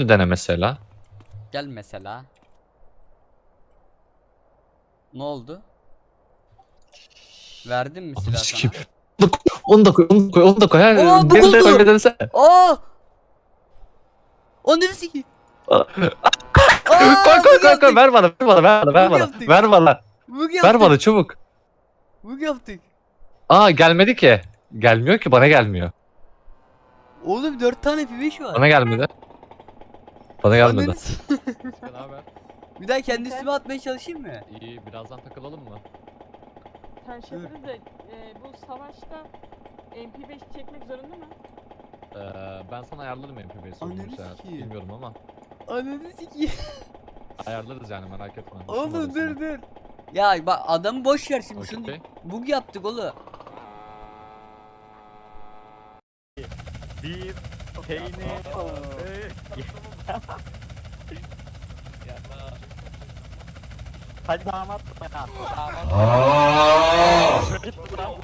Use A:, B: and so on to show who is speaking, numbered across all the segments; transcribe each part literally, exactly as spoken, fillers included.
A: Şunu dene mesela.
B: Gel mesela. Ne oldu? Verdim mi silah sana?
A: Onu da koy, onu da koy, onu da koy.
B: Aa, bu
A: Beni de
B: oldu.
A: koy, bir denesene.
B: Aa! O neresi ki?
A: Aa,
B: Aa,
A: Koy koy
B: bug
A: koy koy,
B: yaptık.
A: ver bana, ver bana, ver bana, ver
B: Bug
A: bana,
B: yaptık.
A: ver bana,
B: Bug
A: ver
B: yaptık.
A: bana çabuk.
B: Bug yaptık.
A: Aa, gelmedi ki. Gelmiyor ki, bana gelmiyor.
B: Oğlum dört tane P beş var.
A: Bana gelmedi. Bana gelmedi.
B: Ananı s-
C: Ne haber?
B: Bir daha kendi üstüme atmaya çalışayım mı?
C: İyi, birazdan takılalım mı?
D: Sen şey yapıyoruz da e, bu savaşta M P beş çekmek zorunda mı?
C: Ee, ben sana ayarlarım M P beş'i
B: Ananı
C: olursa.
B: sikeyim.
C: Bilmiyorum ama
B: Ananı sikeyim.
C: ayarlarız yani, merak etme.
B: Oğlum dur dur. Ya bak adamı boş ver şimdi şunu.
C: Okey.
B: Bug yaptık oğlum.
E: Bir peynir. Hadi damat ya. Git lan.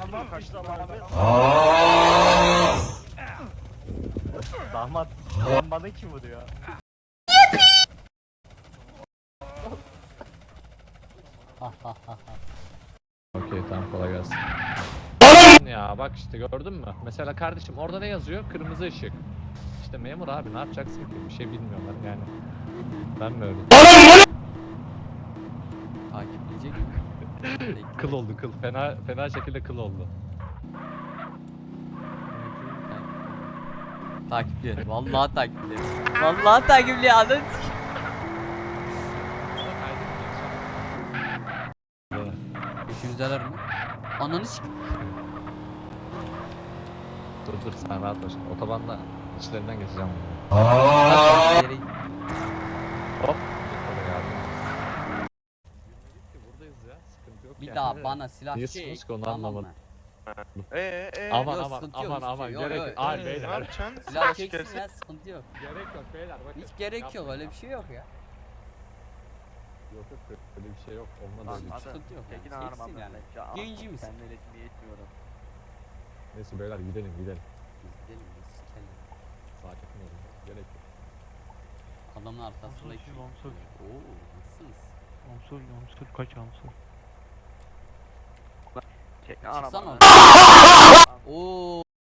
E: Damat. Damat bana kim vuruyor?
C: Okey, tamam, kolay gelsin. Ya bak işte, gördün mü? Mesela kardeşim orada ne yazıyor? Kırmızı ışık. İşte memur abi, ne yapacaksın ki? Bir şey bilmiyorlar yani. Ben mi öyle?
B: Takipleyecek.
C: Kıl oldu, kıl. Fena fena şekilde kıl oldu.
B: Takipliyor. Vallahi takipliyor. Vallahi takipliyor adam. Üçümüzdeler mi? Ananı s***.
C: Dur dur, sen rahat ol şimdi. Otobanda içlerinden geçeceğim.
B: Yere-
C: Hop. Oraya geldim. Buradayız ya, sıkıntı yok
B: Bir
C: yani.
B: daha bana silah
C: Niye
B: çek.
C: sıkıyorsun ki onu
B: tamam mı?
C: anlamadım.
F: Eee eee
C: Aman
B: Yok,
C: aman
B: sıkıntı yok,
C: aman
B: hiçbir
C: aman
B: şey yok,
C: gerek
B: yok,
C: yok.
B: yok.
C: Ay
F: ne
C: beyler.
F: yapacaksın?
B: Silah
F: Silah
B: çeksin ya sıkıntı yok.
C: Gerek yok beyler, bakın.
B: Hiç gerek yok öyle bir şey yok ya.
C: Yok yok, öyle bir şey yok. Olmadı
F: Lan
C: öyle bir şey.
F: hadi.
B: Sıkıntı yok
F: Tekin
B: yani.
F: ağrıma
B: Çeksin yani.
F: ben.
B: Yayıncı mısın?
F: Senden etmeyi etmiyorum.
C: Neyse beyler, gidelim gidelim.
B: Gidelim biz sikelim.
C: Sakin olun. Gerek yok.
B: Adamın arkasındaki.
E: Amsur, amsur.
B: Oo nasılsınız?
E: Amsur, amsur kaç amsur?
F: Çek ağrıma.
B: Çıksana. Oo.